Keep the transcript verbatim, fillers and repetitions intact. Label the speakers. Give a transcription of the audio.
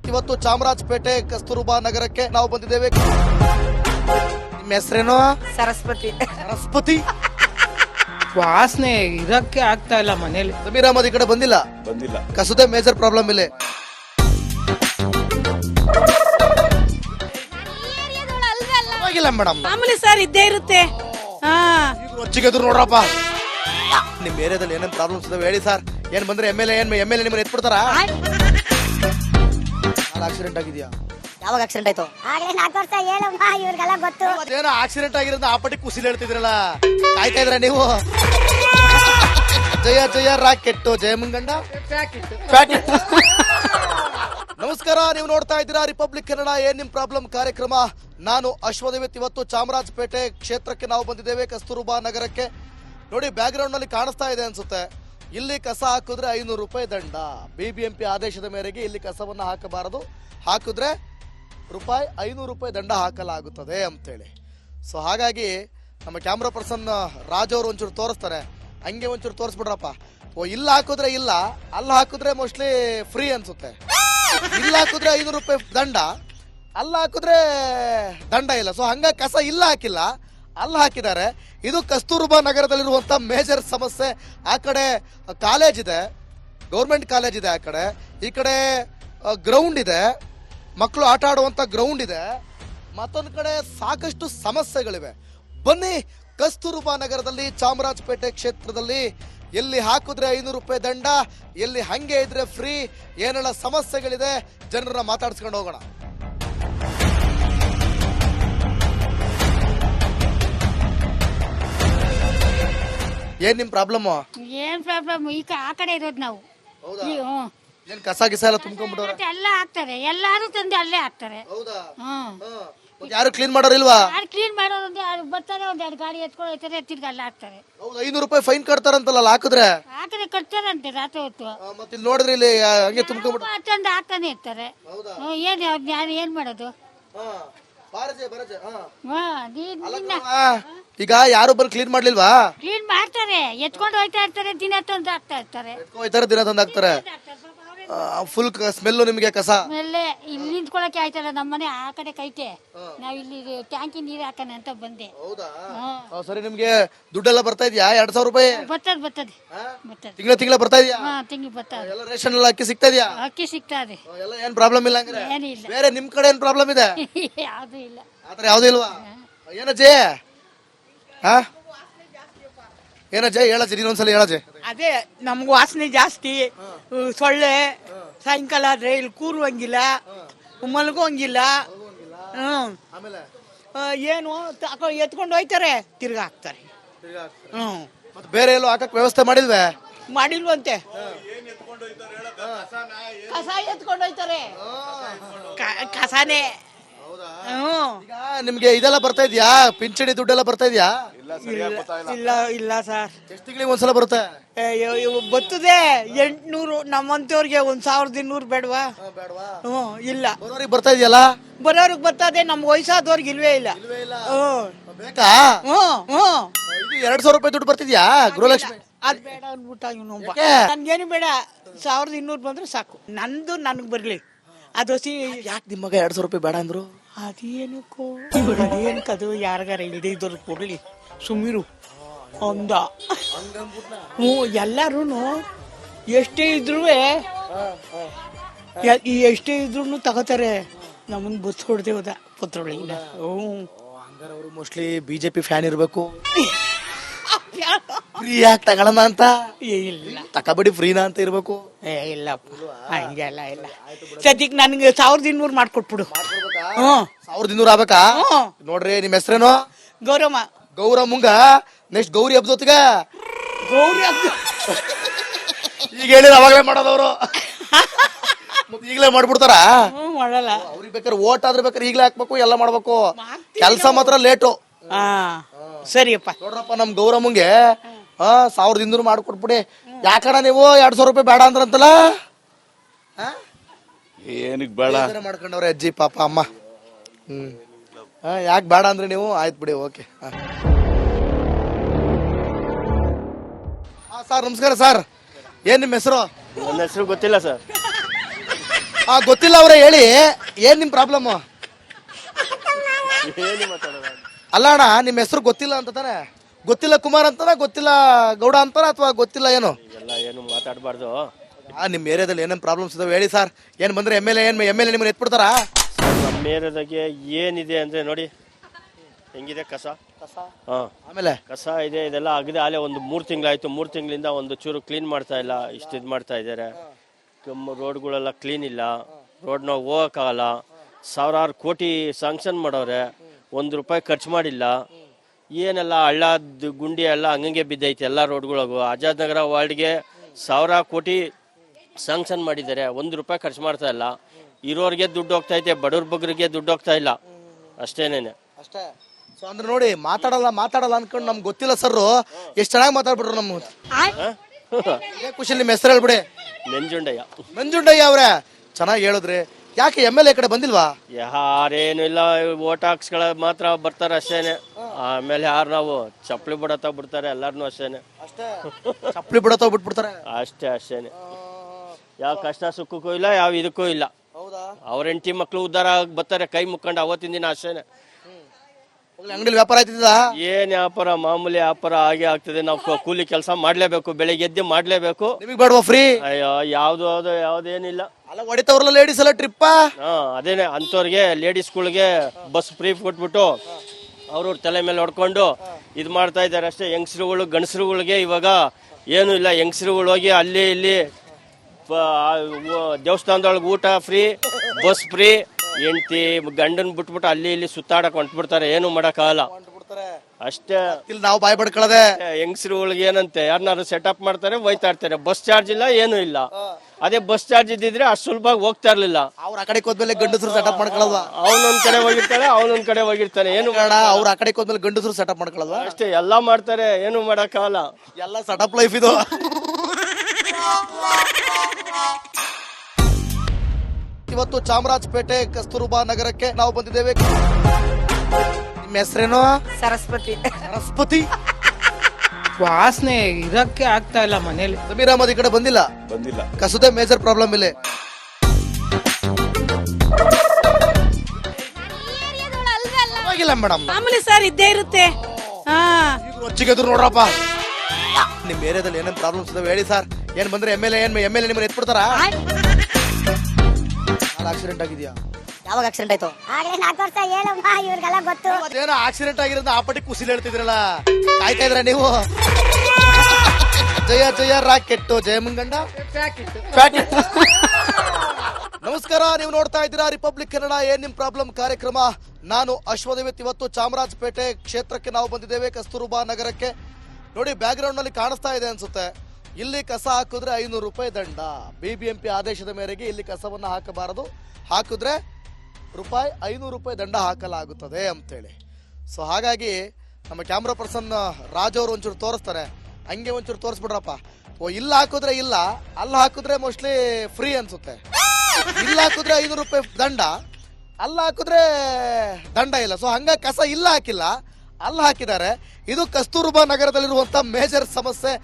Speaker 1: ಇವತ್ತು ಚಾಮರಾಜಪೇಟೆ ಕಸ್ತೂರ್ಬಾ ನಗರಕ್ಕೆ ನಾವು ಬಂದಿದ್ದೇವೆ. ನಿಮ್ಮ ಹೆಸರೇನು?
Speaker 2: ಸರಸ್ವತಿ.
Speaker 1: ಸರಸ್ವತಿ
Speaker 3: ವಾಸನೆ ಇರಕ್ಕೆ ಆಗ್ತಾ ಇಲ್ಲ ಮನೇಲಿ.
Speaker 1: ಸಮೀರ್ ಅಹಮದ್ ಈ ಕಡೆ ಬಂದಿಲ್ಲ
Speaker 4: ಬಂದಿಲ್ಲ
Speaker 1: ಕಸುದೇ ಮೇಜರ್ ಪ್ರಾಬ್ಲಮ್ ಇಲ್ಲಿ. ಆಗಿಲ್ಲ ಮೇಡಮ್,
Speaker 2: ಮಾಮೂಲಿ ಸರ್ ಇದ್ದೇ ಇರುತ್ತೆ. ಹಾ
Speaker 1: ರೊಚ್ಚಿಗೆ ಎದುರು ನೋಡ್ರಪ್ಪ. ನಿಮ್ ಏರಿಯಾದಲ್ಲಿ ಏನೇನ್ ಪ್ರಾಬ್ಲಮ್ಸ್ ಇದಾವೆ ಹೇಳಿ ಸರ್. ಏನ್ ಬಂದ್ರೆ ಎಮ್ ಎಲ್ ಏನ್ ಎಮ್ ಎಲ್ ಎ ನಿಮ್ಮನ್ನ ಎತ್ಬಿಡ್ತಾರ? ಆಕ್ಸಿಡೆಂಟ್ ಆಗಿದ್ಯಾ?
Speaker 2: ಯಾವಾಗ ಆಕ್ಸಿಡೆಂಟ್ ಆಯ್ತು?
Speaker 5: ಆಗ್ಲೇ ನಾಲ್ಕು ವರ್ಷ ಹೇಳಮ್ಮ, ಇವ್ರಿಗೆಲ್ಲ ಗೊತ್ತು.
Speaker 1: ಏನೋ ಆಕ್ಸಿಡೆಂಟ್ ಆಗಿರೋದು ಆ ಪಟ್ಟಿ ಕುಸಿಲ್ ಹೇಳ್ತಿದ್ರಲ್ಲ, ಕಾಯ್ತಾ ಇದ್ರ ನೀವು? ಜಯ ಜಯ ರಾಕೆಟ್, ಜಯ ಮುಂಗಂಡ ಪ್ಯಾಕೆಟ್. ನಮಸ್ಕಾರ, ನೀವು ನೋಡ್ತಾ ಇದ್ದೀರಾ ರಿಪಬ್ಲಿಕ್ ಕನ್ನಡ ಏನ್ ನಿಮ್ ಪ್ರಾಬ್ಲಮ್ ಕಾರ್ಯಕ್ರಮ. ನಾನು ಅಶ್ವದೇವಿತ್. ಇವತ್ತು ಚಾಮರಾಜಪೇಟೆ ಕ್ಷೇತ್ರಕ್ಕೆ ನಾವು ಬಂದಿದ್ದೇವೆ, ಕಸ್ತೂರ್ಬಾ ನಗರಕ್ಕೆ. ನೋಡಿ, ಬ್ಯಾಕ್ ಗ್ರೌಂಡ್ ನಲ್ಲಿ ಕಾಣಿಸ್ತಾ ಇದೆ ಅನ್ಸುತ್ತೆ. ಇಲ್ಲಿ ಕಸ ಹಾಕಿದ್ರೆ ಐನೂರು ರೂಪಾಯಿ ದಂಡ. ಬಿಬಿಎಂಪಿ ಆದೇಶದ ಮೇರೆಗೆ ಇಲ್ಲಿ ಕಸವನ್ನ ಹಾಕಬಾರದು, ಹಾಕಿದ್ರೆ ರೂಪಾಯಿ ಐನೂರು ರೂಪಾಯಿ ದಂಡ ಹಾಕಲಾಗುತ್ತದೆ ಅಂತೇಳಿ. ಸೊ ಹಾಗಾಗಿ ನಮ್ಮ ಕ್ಯಾಮ್ರಾ ಪರ್ಸನ್ ರಾಜ್ ಅವರು ಒಂಚೂರು ತೋರಿಸ್ತಾರೆ, ಹಂಗೆ ಒಂಚೂರು ತೋರಿಸ್ಬಿಡ್ರಪ್ಪ. ಓ, ಇಲ್ಲಿ ಹಾಕಿದ್ರೆ ಇಲ್ಲ, ಅಲ್ಲಿ ಹಾಕಿದ್ರೆ ಮೋಸ್ಟ್ಲಿ ಫ್ರೀ ಅನ್ಸುತ್ತೆ. ಇಲ್ಲಿ ಹಾಕಿದ್ರೆ ಐನೂರು ರೂಪಾಯಿ ದಂಡ, ಅಲ್ಲಿ ಹಾಕಿದ್ರೆ ದಂಡ ಇಲ್ಲ. ಸೊ ಹಂಗಾಗಿ ಕಸ ಇಲ್ಲ ಹಾಕಿಲ್ಲ, ಅಲ್ಲಿ ಹಾಕಿದ್ದಾರೆ. ಇದು ಕಸ್ತೂರ್ಬಾ ನಗರದಲ್ಲಿರುವಂತ ಮೇಜರ್ ಸಮಸ್ಯೆ. ಆ ಕಡೆ ಕಾಲೇಜ್ ಇದೆ, ಗೌರ್ಮೆಂಟ್ ಕಾಲೇಜ್ ಇದೆ, ಆ ಕಡೆ ಈ ಕಡೆ ಗ್ರೌಂಡ್ ಇದೆ, ಮಕ್ಕಳು ಆಟ ಆಡುವಂತ ಗ್ರೌಂಡ್ ಇದೆ, ಮತ್ತೊಂದು ಕಡೆ ಸಾಕಷ್ಟು ಸಮಸ್ಯೆಗಳಿವೆ. ಬನ್ನಿ, ಕಸ್ತೂರ್ಬಾ ನಗರದಲ್ಲಿ ಚಾಮರಾಜಪೇಟೆ ಕ್ಷೇತ್ರದಲ್ಲಿ ಎಲ್ಲಿ ಹಾಕಿದ್ರೆ ಐನೂರು ರೂಪಾಯಿ ದಂಡ, ಎಲ್ಲಿ ಹಂಗೆ ಇದ್ರೆ ಫ್ರೀ, ಏನೆಲ್ಲ ಸಮಸ್ಯೆಗಳಿದೆ ಜನರನ್ನ ಮಾತಾಡ್ಸ್ಕೊಂಡು ಹೋಗೋಣ. ಏನ್ ನಿಮ್ ಪ್ರಾಬ್ಲಮ್?
Speaker 5: ಏನ್ ಪ್ರಾಬ್ಲಮ್? ಈ ಕ- ಆ ಕಡೆ ಇರೋದು ನಾವು. ಈ- ಹ್ಮ್.
Speaker 1: ಏನ್ ಕಸ ಗಿಸ ಎಲ್ಲ ತುಂಬ್ಕೊಂಡ್ಬಿಟ್ಟವ್ರ?
Speaker 5: ಮತ್ತೆ ಎಲ್ಲ ಹಾಕ್ತಾರೆ, ಎಲ್ಲಾರು ತಂದು ಅಲ್ಲೇ ಹಾಕ್ತಾರೆ.
Speaker 1: ಹೌದಾ?
Speaker 5: ಹ್ಮ್.
Speaker 1: ಮತ್ತೆ ಯಾರು ಕ್ಲೀನ್ ಮಾಡೋರಿಲ್ವಾ?
Speaker 5: ಯಾರು ಕ್ಲೀನ್ ಮಾಡೋರು ಒಂದು ಯಾರು ಬರ್ತಾರೆ, ಒಂದ್ ಎರಡು ಗಾಡಿ ಎತ್ಕೊಂಡು ಹೋಗ್ತಾರೆ, ತಿರ್ಗಿ ಅಲ್ಲೇ ಹಾಕ್ತಾರೆ.
Speaker 1: ಹೌದು, ಐನೂರು ರೂಪಾಯಿ ಫೈನ್ ಕಟ್ತಾರಂತಲ್ಲ ಹಾಕಿದ್ರೆ.
Speaker 5: ಹಾಕಿದ್ರೆ ಕಟ್ತಾರಂತೆ ರಾತ್ರಿ ಹೊತ್ತು.
Speaker 1: ಮತ್ತೆ ಇಲ್ಲಿ ನೋಡಿದ್ರಿ, ಇಲ್ಲಿ ಆ, ಹಂಗೆ ತುಂಬ್ಕೊಂಡ್ಬಿಟ್ಟು.
Speaker 5: ಯಾರೋ ತಂದು ಹಾಕ್ತಾನೆ ಇರ್ತಾರೆ.
Speaker 1: ಹೌದಾ?
Speaker 5: ಹ್ಮ್, ಏನ್ ಅವ್ರ್ ಯಾರು ಏನ್ ಮಾಡೋದು?
Speaker 1: ಹಾ, ಬಾರಜೆ, ಬರಜೆ, ಹಾ.
Speaker 5: ಹಾ, ನೀನ್ ನಿನ್ನ
Speaker 1: ಆ, ಈಗ ಯಾರು ಬಂದು ಕ್ಲೀನ್ ಮಾಡ್ಲಿಲ್ವಾ?
Speaker 5: ಕ್ಲೀನ್ ಮಾಡ್ತಾರೆ, ಎತ್ಕೊಂಡು ಹೋಗ್ತಾ ಇರ್ತಾರೆ, ದಿನ ತಂದು ಹಾಕ್ತಾ ಇರ್ತಾರೆ.
Speaker 1: ಹೋಯ್ತಾರೆ, ದಿನ ತಂದು ಹಾಕ್ತಾರೆ. ಫುಲ್ ಸ್ಮೆಲ್ ನಿಮ್ಗೆ ಕಸ.
Speaker 5: ಆಮೇಲೆ ಇಲ್ಲಿ ನಿಂತ್ಕೊಳಕ್ಕೆ ಆಯ್ತಲ್ಲ, ನಮ್ಮನೆ ಆ ಕಡೆ ಕೈತೆ, ನಾವ್ ಇಲ್ಲಿ ಟ್ಯಾಂಕಿ ನೀರ್ ಹಾಕೋಣ ಅಂತ ಬಂದೆ.
Speaker 1: ಹೌದಾ?
Speaker 5: ಹ್ಮ್.
Speaker 1: ಆ, ಸರಿ, ನಿಮ್ಗೆ ದುಡ್ಡೆಲ್ಲ ಬರ್ತಾ ಇದೆಯಾ? ಎರಡ್ ಸಾವಿರ ರೂಪಾಯಿ
Speaker 5: ಬರ್ತದ ಬರ್ತದೆ ಬರ್ತದೆ.
Speaker 1: ತಿಂಗಳ ತಿಂಗಳ ಬರ್ತಾ ಇದೆಯಾ?
Speaker 5: ಹಾ, ತಿಂಗಿ ಬರ್ತದೆ.
Speaker 1: ಎಲ್ಲ ರೇಷನ್ ಎಲ್ಲ ಅಕ್ಕಿ ಸಿಗ್ತಾ ಇದೆಯಾ?
Speaker 5: ಅಕ್ಕಿ ಸಿಗ್ತದೆ,
Speaker 1: ಎಲ್ಲ ಏನ್ ಪ್ರಾಬ್ಲಮ್ ಇಲ್ಲ ಹಂಗಾರೆ?
Speaker 5: ಏನಿಲ್ಲ.
Speaker 1: ಬೇರೆ ನಿಮ್ ಕಡೆ ಏನ್ ಪ್ರಾಬ್ಲಮ್ ಇದೆ?
Speaker 5: ಯಾವ್ದು ಇಲ್ಲ.
Speaker 1: ಆತರ ಯಾವ್ದು ಇಲ್ವಾ? ಏನಜ್ಜೆ? ಹಾ, ಏನಜ್ಜೆ ಹೇಳಜ್ಜೆ, ನೀನೊಂದ್ಸಲ ಹೇಳಜ್ಜೆ.
Speaker 6: ಅದೇ ನಮ್ಗೆ ವಾಸನೆ ಜಾಸ್ತಿ, ಸೊಳ್ಳೆ. ಸಾಯಂಕಾಲ ಆದ್ರೆ ಇಲ್ಲಿ ಕೂರುವಂಗಿಲ್ಲ, ಮಲ್ಗೋಂಗಿಲ್ಲ. ಹ್ಮ್
Speaker 1: ಆಮೇಲೆ
Speaker 6: ಆ, ಏನು ತಕೊ- ಎತ್ಕೊಂಡು ಹೋಯ್ತಾರೆ, ತಿರ್ಗಾ ಹಾಕ್ತಾರೆ. ಹ್ಮ್
Speaker 1: ಮತ್ತೆ ಬೇರೆ ಎಲ್ಲೋ ಹಾಕಕ್ ವ್ಯವಸ್ಥೆ ಮಾಡಿಲ್ವೇ?
Speaker 6: ಮಾಡಿಲ್ವಂತೆ. ಕಸ ಎತ್ಕೊಂಡು ಹೋಯ್ತಾರೆ, ಕ- ಕಸಾನೆ. ಹ್ಮ್
Speaker 1: ಈಗ ನಿಮ್ಗೆ ಇದೆಲ್ಲ ಬರ್ತಾ ಇದೆಯಾ? ಪಿಂಚಣಿ ದುಡ್ಡೆಲ್ಲ ಬರ್ತಾ ಇದೆಯಾ?
Speaker 6: ಇಲ್ಲ ಇಲ್ಲ ಸರ್,
Speaker 1: ಎಷ್ಟು ತಿಂಗಳಿಗೆ ಒಂದ್ಸಲ ಬರುತ್ತೆ?
Speaker 6: ಏ, ಇವ್- ಇವ್ ಬರ್ತದೆ ಎಂಟ್ನೂರು. ನಮ್ಮಂತವ್ರಿಗೆ ಒಂದ್ ಸಾವಿರದ ಇನ್ನೂರು ಬೇಡವಾ? ಹ್ಮ್ ಇಲ್ಲ,
Speaker 1: ಬರೋರಿಗೆ ಬರ್ತಾ ಇದೆಯಲ್ಲ?
Speaker 6: ಬರೋರ್ಗ್ ಬರ್ತದೆ, ನಮ್ಗೆ ವಯಸ್ಸಾದವ್ರಿಗೆ ಇಲ್ವೇ ಇಲ್ಲ. ಹ್ಮ್
Speaker 1: ಬೇಕಾ?
Speaker 6: ಹ್ಮ್ ಹ್ಮ್
Speaker 1: ಇದು ಎರಡ್ ಸಾವಿರ ರೂಪಾಯಿ ದುಡ್ಡು ಬರ್ತಿದ್ಯಾ ಗೃಹಲಕ್ಷ್ಮಿ?
Speaker 6: ಅದ್ ಬೇಡ ಅನ್ಬಿಟ್ಟ ಇವನು.
Speaker 1: ಯಾಕೆ?
Speaker 6: ನನ್ಗೇನು ಬೇಡ, ಸಾವಿರದ ಇನ್ನೂರು ಬಂದ್ರೆ ಸಾಕು, ನಂದು ನನಗ್ ಬರ್ಲಿ. ಅದು ಸಿ
Speaker 1: ಯಾಕೆ ನಿಮ್ಮ ಮಗ ಎರಡ್ ಸಾವಿರ ರೂಪಾಯಿ ಬೇಡ ಅಂದ್ರು?
Speaker 6: ಅದೇನಕ್ಕೋ ಅದೇನಕ್ಕದು ಯಾರಿಗಾರ ಹಿಡಿದವ್ರು ಕೊಡ್ಲಿ, ಸುಮ್ಮಿರು ಅಂದ. ಹ್ಞೂ ಎಲ್ಲಾರು ಎಷ್ಟೇ ಇದ್ರು ಎಷ್ಟೇ ಇದ್ರು ತಗೋತಾರೆ, ನಮ್ಮನ್ನ ಬಸ್ ಹೊಡ್ದೆ ಹೋದ ಪತ್ರೊಳಗಿನ. ಹ್ಞೂ
Speaker 1: ಅವರು ಮೋಸ್ಟ್ಲಿ ಬಿಜೆಪಿ ಫ್ಯಾನ್ ಇರ್ಬೇಕು. ಫ್ರೀ ಯಾಕೆ ತಗೊಳಣ ಅಂತ?
Speaker 6: ಇಲ್ಲ
Speaker 1: ತಕಬಡಿ ಫ್ರೀನಾ ಅಂತ ಇರ್ಬೇಕು.
Speaker 6: ಏ ಇಲ್ಲಪ್ಪ, ಹಂಗೆಲ್ಲ ಇಲ್ಲ. ಸದ್ಯಕ್ಕೆ ನನ್ಗೆ ಸಾವಿರದ ಇನ್ನೂರು ಮಾಡ್ಕೊಟ್ಬಿಡು. ಹ್ಮ್
Speaker 1: ಸಾವಿರದ ಇನ್ನೂರು ಆಗ್ಬೇಕಾ?
Speaker 6: ಹ್ಮ್.
Speaker 1: ನೋಡ್ರಿ, ನಿಮ್ ಹೆಸರೇನು?
Speaker 6: ಗೌರಮ್ಮ.
Speaker 1: ಗೌರಮ್ಮಂಗ ನೆಕ್ಸ್ಟ್ ಗೌರಿ ಹಬ್ಬದ ಹೊತ್ತಿಗೆ
Speaker 6: ಗೌರಿ ಹಬ್ಬ
Speaker 1: ಈಗ ಹೇಳಿದ್ರೆ ಅವಾಗಲೇ ಮಾಡೋದವ್ರು. ಮತ್ತೆ ಈಗಲೇ ಮಾಡ್ಬಿಡ್ತಾರ?
Speaker 6: ಹ್ಞೂ ಮಾಡಲ್ಲ.
Speaker 1: ಅವ್ರಿಗೆ ಬೇಕಾದ್ರೆ ಓಟ್ ಆದ್ರೆ ಬೇಕಾದ್ರೆ ಈಗಲೇ ಹಾಕ್ಬೇಕು, ಎಲ್ಲ ಮಾಡ್ಬೇಕು. ಕೆಲಸ ಮಾತ್ರ ಲೇಟು.
Speaker 6: ಹಾ ಸರಿಯಪ್ಪ.
Speaker 1: ನೋಡ್ರಪ್ಪ, ನಮ್ ಗೌರಮ್ಮಂಗೆ ಹಾ ಸಾವಿರದ ಇನ್ನೂರು ಮಾಡ್ಕೊಟ್ಬಿಡಿ. ಯಾಕಣ್ಣ ನೀವು ಎರಡ್ ಸಾವಿರ ರೂಪಾಯಿ ಬೇಡ ಅಂದ್ರಂತಲ್ಲ?
Speaker 4: ಏನಕ್ ಬೇಡ
Speaker 1: ಮಾಡ್ಕೊಂಡವ್ರೆ ಅಜ್ಜಿ ಪಾಪ ಅಮ್ಮ. ಹ್ಮ್ ಹಾ, ಯಾಕೆ ಬೇಡ ಅಂದ್ರೆ ನೀವು? ಆಯ್ತು ಬಿಡಿ, ಓಕೆ. ಹಾ ಸರ್, ನಮಸ್ಕಾರ ಸರ್. ಏನ್ ನಿಮ್ಮ ಹೆಸರು?
Speaker 4: ನನ್ನ ಹೆಸರು ಗೊತ್ತಿಲ್ಲ ಸರ್.
Speaker 1: ಆ ಗೊತ್ತಿಲ್ಲ ಅವರೇ ಹೇಳಿ ಏನ್ ನಿಮ್ ಪ್ರಾಬ್ಲಮ್? ಅಲ್ಲ ಅಣ್ಣ ನಿಮ್ ಹೆಸರು ಗೊತ್ತಿಲ್ಲ ಅಂತ ತಾನೆ? ಗೊತ್ತಿಲ್ಲ ಕುಮಾರ್ ಅಂತಾರ, ಗೊತ್ತಿಲ್ಲ ಗೌಡ ಅಂತಾರ, ಅಥವಾ ಗೊತ್ತಿಲ್ಲ ಏನು?
Speaker 4: ಎಲ್ಲ ಏನು ಮಾತಾಡಬಾರ್ದು.
Speaker 1: ಆ ನಿಮ್ ಏರಿಯಾದಲ್ಲಿ ಏನೇನ್ ಪ್ರಾಬ್ಲಮ್ಸ್ ಇದಾವೆ ಹೇಳಿ ಸರ್. ಏನ್ ಬಂದ್ರೆ ಎಮ್ ಎಲ್ ಎ ಏನ್ ಎಮ್ ಎಲ್ ಎ ನಿಮ್ಮನ್ನ ಎತ್ಬಿಡ್ತಾರ?
Speaker 4: ನಮ್ಮ ಏರಿಯಾದಾಗೆ ಏನಿದೆ ಅಂದ್ರೆ ನೋಡಿ ಹೆಂಗಿದೆ ಕಸ. ಹಾ
Speaker 1: ಆಮೇಲೆ
Speaker 4: ಕಸ ಇದೆ, ಇದೆಲ್ಲ ಅಗದೆ ಆಲೆ ಒಂದು ಮೂರು ತಿಂಗಳಾಯ್ತು. ಮೂರು ತಿಂಗಳಿಂದ ಒಂದು ಚೂರು ಕ್ಲೀನ್ ಮಾಡ್ತಾ ಇಲ್ಲ, ಇಷ್ಟು ಇದು ಮಾಡ್ತಾ ಇದ್ದಾರೆ. ರೋಡ್ಗಳೆಲ್ಲ ಕ್ಲೀನ್ ಇಲ್ಲ, ರೋಡ್ನ ಹೋಗೋಕ್ಕಾಗಲ್ಲ. ಸಾವಿರಾರು ಕೋಟಿ ಸ್ಯಾಂಕ್ಷನ್ ಮಾಡವ್ರೆ, ಒಂದು ರೂಪಾಯಿ ಖರ್ಚು ಮಾಡಿಲ್ಲ. ಏನೆಲ್ಲ ಹಳ್ಳದ ಗುಂಡಿ ಎಲ್ಲ ಹಂಗಂಗೆ ಬಿದ್ದೈತೆ ಎಲ್ಲ ರೋಡ್ಗಳಿಗೂ. ಆಜಾದ್ ನಗರ ವಾರ್ಡ್ಗೆ ಸಾವಿರ ಕೋಟಿ ಸ್ಯಾಂಕ್ಷನ್ ಮಾಡಿದ್ದಾರೆ, ಒಂದು ರೂಪಾಯಿ ಖರ್ಚು ಮಾಡ್ತಾ ಇಲ್ಲ. ಇರೋರಿಗೆ ದುಡ್ಡು ಹೋಗ್ತಾ ಐತೆ, ಬಡವ್ರ ಬಗ್ಗರಿಗೆ ದುಡ್ಡು ಹೋಗ್ತಾ ಇಲ್ಲ, ಅಷ್ಟೇನೇನೆ.
Speaker 1: ಅಷ್ಟೇ. ಸೊ ಅಂದ್ರೆ ನೋಡಿ ಮಾತಾಡಲ್ಲ ಮಾತಾಡಲ್ಲ ಅನ್ಕೊಂಡು ನಮ್ಗೆ ಗೊತ್ತಿಲ್ಲ ಸರ್. ಎಷ್ಟು ಚೆನ್ನಾಗಿ ಮಾತಾಡ್ಬಿಟ್ರು ನಮ್ಮ ಖುಷಿ. ನಿಮ್ಮ ಹೆಸರು ಹೇಳ್ಬಿಡಿ.
Speaker 4: ನಂಜುಂಡಯ್ಯ.
Speaker 1: ನಂಜುಂಡಯ್ಯ ಅವ್ರೆ ಚೆನ್ನಾಗಿ ಹೇಳಿದ್ರಿ. ಯಾಕೆ ಎಮ್ ಎಲ್ ಎ ಕಡೆ ಬಂದಿಲ್ವಾ?
Speaker 4: ಯಾರೇನು ಇಲ್ಲ, ಓಟ್ ಹಾಕ್ಸ್ಗಳ ಮಾತ್ರ ಬರ್ತಾರೆ ಅಷ್ಟೇನೆ. ಆಮೇಲೆ ಯಾರು ನಾವು ಚಪ್ಪಲಿ ಬಿಡತ್ತ ಬಿಡ್ತಾರೆ ಎಲ್ಲಾರನು ಅಷ್ಟೇನೆ.
Speaker 1: ಅಷ್ಟೇ ಚಪ್ಪಲಿ ಬಿಡತ್ತ ಬಿಟ್ಬಿಡ್ತಾರೆ
Speaker 4: ಅಷ್ಟೇ ಅಷ್ಟೇನೆ. ಯಾವ ಕಷ್ಟ ಸುಖಕ್ಕೂ ಇಲ್ಲ, ಯಾವ ಇದಕ್ಕೂ ಇಲ್ಲ.
Speaker 1: ಹೌದಾ?
Speaker 4: ಅವ್ರ ಹೆಂಡತಿ ಮಕ್ಳು ಉದ್ಧಾರ ಆಗಿ ಬರ್ತಾರೆ ಕೈ ಮುಕ್ಕೊಂಡು ಅವತ್ತಿನ ದಿನ ಅಷ್ಟೇನೆ.
Speaker 1: ಅಂಗಡಿಲಿ ವ್ಯಾಪಾರ ಆಯ್ತಿದ್ದ?
Speaker 4: ಏನ್ ವ್ಯಾಪಾರ, ಮಾಮೂಲಿ ವ್ಯಾಪಾರ ಹಾಗೆ ಆಗ್ತದೆ. ನಾವು ಕೂಲಿ ಕೆಲಸ ಮಾಡ್ಲೇಬೇಕು, ಬೆಳಿಗ್ಗೆ ಎದ್ದು ಮಾಡ್ಲೇಬೇಕು.
Speaker 1: ನಿಮಗ್ ಬೇಡವಾ ಫ್ರೀ?
Speaker 4: ಅಯ್ಯೋ ಯಾವ್ದು ಅದು ಯಾವ್ದೇನಿಲ್ಲ.
Speaker 1: ಅಲ್ಲ ಹೊಡಿತವ್ರಲ್ಲ ಲೇಡೀಸ್ ಎಲ್ಲ ಟ್ರಿಪ್ಪ.
Speaker 4: ಹಾ ಅದೇನೆ, ಅಂತವ್ರಿಗೆ ಲೇಡೀಸ್ಗಳಿಗೆ ಬಸ್ ಫ್ರೀ ಕೊಟ್ಬಿಟ್ಟು ಅವ್ರವ್ರ ತಲೆ ಮೇಲೆ ಹೊಡ್ಕೊಂಡು ಇದು ಮಾಡ್ತಾ ಇದ್ದಾರೆ ಅಷ್ಟೇ. ಯಂಗ್ಸ್ರುಗಳು ಗಂಡಸ್ರುಗಳಿಗೆ ಇವಾಗ ಏನು ಇಲ್ಲ. ಯಂಗ್ಸ್ರುಗಳು ಹೋಗಿ ಅಲ್ಲಿ ಇಲ್ಲಿ ದೇವಸ್ಥಾನದೊಳಗೆ ಊಟ ಫ್ರೀ, ಬಸ್ ಫ್ರೀ, ಹೆಂಡತಿ ಗಂಡನ್ ಬಿಟ್ಬಿಟ್ಟು ಅಲ್ಲಿ ಇಲ್ಲಿ ಸುತ್ತಾಡಕ್ ಹೊಂಟ್ಬಿಡ್ತಾರೆ. ಏನು ಮಾಡಕ್ಕಾಗಲ್ಲ ಅಷ್ಟೇ.
Speaker 1: ಇಲ್ಲಿ ನಾವು ಬಾಯ್ ಪಡ್ಕೊಳ್ಳದೆ
Speaker 4: ಯಂಗ್ಸ್ರುಗಳಿಗೆ ಏನಂತೆ ಯಾರನ್ನಾರು ಸೆಟಪ್ ಮಾಡ್ತಾರೆ, ಹೋಯ್ತಾ ಇರ್ತಾರೆ. ಬಸ್ ಚಾರ್ಜ್ ಇಲ್ಲ, ಏನು ಇಲ್ಲ. ಅದೇ ಬಸ್ ಚಾರ್ಜ್ ಇದ್ದಿದ್ರೆ ಅಷ್ಟು ಸುಲಭವಾಗಿ ಹೋಗ್ತಾ ಇರ್ಲಿಲ್ಲ.
Speaker 1: ಅವ್ರ ಆ ಕಡೆ ಹೋದ್ಮೇಲೆ ಗಂಡಸರು ಸೆಟಪ್ ಮಾಡ್ಕೊಳ್ಳಲ್ವಾ?
Speaker 4: ಅವನೊಂದ್ ಕಡೆ ಹೋಗಿರ್ತಾನೆ, ಅವನೊಂದ್ ಕಡೆ ಹೋಗಿರ್ತಾನೆ. ಏನು
Speaker 1: ಬೇಡ, ಅವ್ರ ಆ ಕಡೆ ಹೋದ್ಮೇಲೆ ಗಂಡಸರು ಸೆಟಪ್ ಮಾಡ್ಕೊಳ್ಳಲ್ವಾ?
Speaker 4: ಅಷ್ಟೇ, ಎಲ್ಲಾ ಮಾಡ್ತಾರೆ, ಏನು ಮಾಡಕ್ಕಾಗಲ್ಲ.
Speaker 1: ಎಲ್ಲ ಸೆಟಪ್ ಲೈಫ್ ಇದು. ಇವತ್ತು ಚಾಮರಾಜಪೇಟೆ ಕಸ್ತೂರ್ಬಾ ನಗರಕ್ಕೆ ನಾವು ಬಂದಿದ್ದೇವೆ. ನಿಮ್ಮ ಹೆಸರೇನು?
Speaker 2: ಸರಸ್ವತಿ.
Speaker 1: ಸರಸ್ವತಿ.
Speaker 3: ವಾಸನೆ ಇರಕ್ಕೆ ಆಗ್ತಾ ಇಲ್ಲ ಮನೇಲಿ.
Speaker 1: ಸಮೀರ್ ಅಹಮದ್ ಈ ಕಡೆ ಬಂದಿಲ್ಲ?
Speaker 7: ಬಂದಿಲ್ಲ.
Speaker 1: ಕಸದೇ ಮೇಜರ್ ಪ್ರಾಬ್ಲಮ್ ಇಲ್ಲಿ. ಪರವಾಗಿಲ್ಲ ಮೇಡಮ್,
Speaker 2: ಮಾಮೂಲಿ ಸರ್ ಇದ್ದೇ ಇರುತ್ತೆ. ಹಾ
Speaker 1: ಹೊಚ್ಚಿಗೆ ಎದುರು ನೋಡ್ರಪ್ಪ. ನಿಮ್ ಏರಿಯಾದಲ್ಲಿ ಏನೇನ್ ಪ್ರಾಬ್ಲಮ್ಸ್ ಇದಾವೆ ಹೇಳಿ ಸರ್. ಏನ್ ಬಂದ್ರೆ ಎಮ್ ಎಲ್ ಎ ಏನ್ ಎಮ್ ಎಲ್ ಎ ನಿಮ್ಮನ್ನ ಎತ್ಬಿಡ್ತಾರ? ಆಕ್ಸಿಡೆಂಟ್ ಆಗಿದ್ಯಾ?
Speaker 2: ಯಾವಾಗ ಆಕ್ಸಿಡೆಂಟ್ ಆಯ್ತು?
Speaker 8: ಆಗ್ಲೇ ನಾಲ್ಕು ವರ್ಷ ಹೇಳಮ್ಮ, ಇವ್ರಿಗೆಲ್ಲ ಗೊತ್ತು.
Speaker 1: ಏನೋ ಆಕ್ಸಿಡೆಂಟ್ ಆಗಿರೋದು ಆ ಪಟ್ಟಿ ಕುಸಿಲ್ ಹೇಳ್ತಿದ್ರಲ್ಲ, ಕಾಯ್ತಾ ಇದ್ರ ನೀವು? ಜಯ ಜಯ ರಾಕೆಟ್, ಜಯ ಮುಂಗಂಡ ಪ್ಯಾಕೆಟ್. ನಮಸ್ಕಾರ, ನೀವು ನೋಡ್ತಾ ಇದ್ದೀರಾ ರಿಪಬ್ಲಿಕ್ ಕನ್ನಡ ಏನ್ ನಿಮ್ ಪ್ರಾಬ್ಲಮ್ ಕಾರ್ಯಕ್ರಮ. ನಾನು ಅಶ್ವದೇವಿತ್. ಇವತ್ತು ಚಾಮರಾಜಪೇಟೆ ಕ್ಷೇತ್ರಕ್ಕೆ ನಾವು ಬಂದಿದ್ದೇವೆ, ಕಸ್ತೂರ್ಬಾ ನಗರಕ್ಕೆ. ನೋಡಿ ಬ್ಯಾಕ್ ಗ್ರೌಂಡ್ ನಲ್ಲಿ ಕಾಣಿಸ್ತಾ ಇದೆ ಅನ್ಸುತ್ತೆ. ಇಲ್ಲಿ ಕಸ ಹಾಕಿದ್ರೆ ಐನೂರು ರೂಪಾಯಿ ದಂಡ. ಬಿಬಿಎಂಪಿ ಆದೇಶದ ಮೇರೆಗೆ ಇಲ್ಲಿ ಕಸವನ್ನ ಹಾಕಬಾರದು, ಹಾಕಿದ್ರೆ ರೂಪಾಯಿ ಐನೂರು ರೂಪಾಯಿ ದಂಡ ಹಾಕಲಾಗುತ್ತದೆ ಅಂತೇಳಿ. ಸೊ ಹಾಗಾಗಿ ನಮ್ಮ ಕ್ಯಾಮ್ರಾ ಪರ್ಸನ್ ರಾಜ್ ಅವರು ಒಂಚೂರು ತೋರಿಸ್ತಾರೆ, ಹಂಗೆ ಒಂಚೂರು ತೋರಿಸ್ಬಿಡ್ರಪ್ಪ. ಓ ಇಲ್ಲಿ ಹಾಕಿದ್ರೆ ಇಲ್ಲ, ಅಲ್ಲಿ ಹಾಕಿದ್ರೆ ಮೋಸ್ಟ್ಲಿ ಫ್ರೀ ಅನ್ಸುತ್ತೆ. ಇಲ್ಲಿ ಹಾಕಿದ್ರೆ ಐನೂರು ರೂಪಾಯಿ ದಂಡ, ಅಲ್ಲಿ ಹಾಕಿದ್ರೆ ದಂಡ ಇಲ್ಲ. ಸೊ ಹಂಗಾಗಿ ಕಸ ಇಲ್ಲ ಹಾಕಿಲ್ಲ, ಅಲ್ಲಿ ಹಾಕಿದ್ದಾರೆ. ಇದು ಕಸ್ತೂರ್ಬಾ ನಗರದಲ್ಲಿರುವಂತ ಮೇಜರ್ ಸಮಸ್ಯೆ.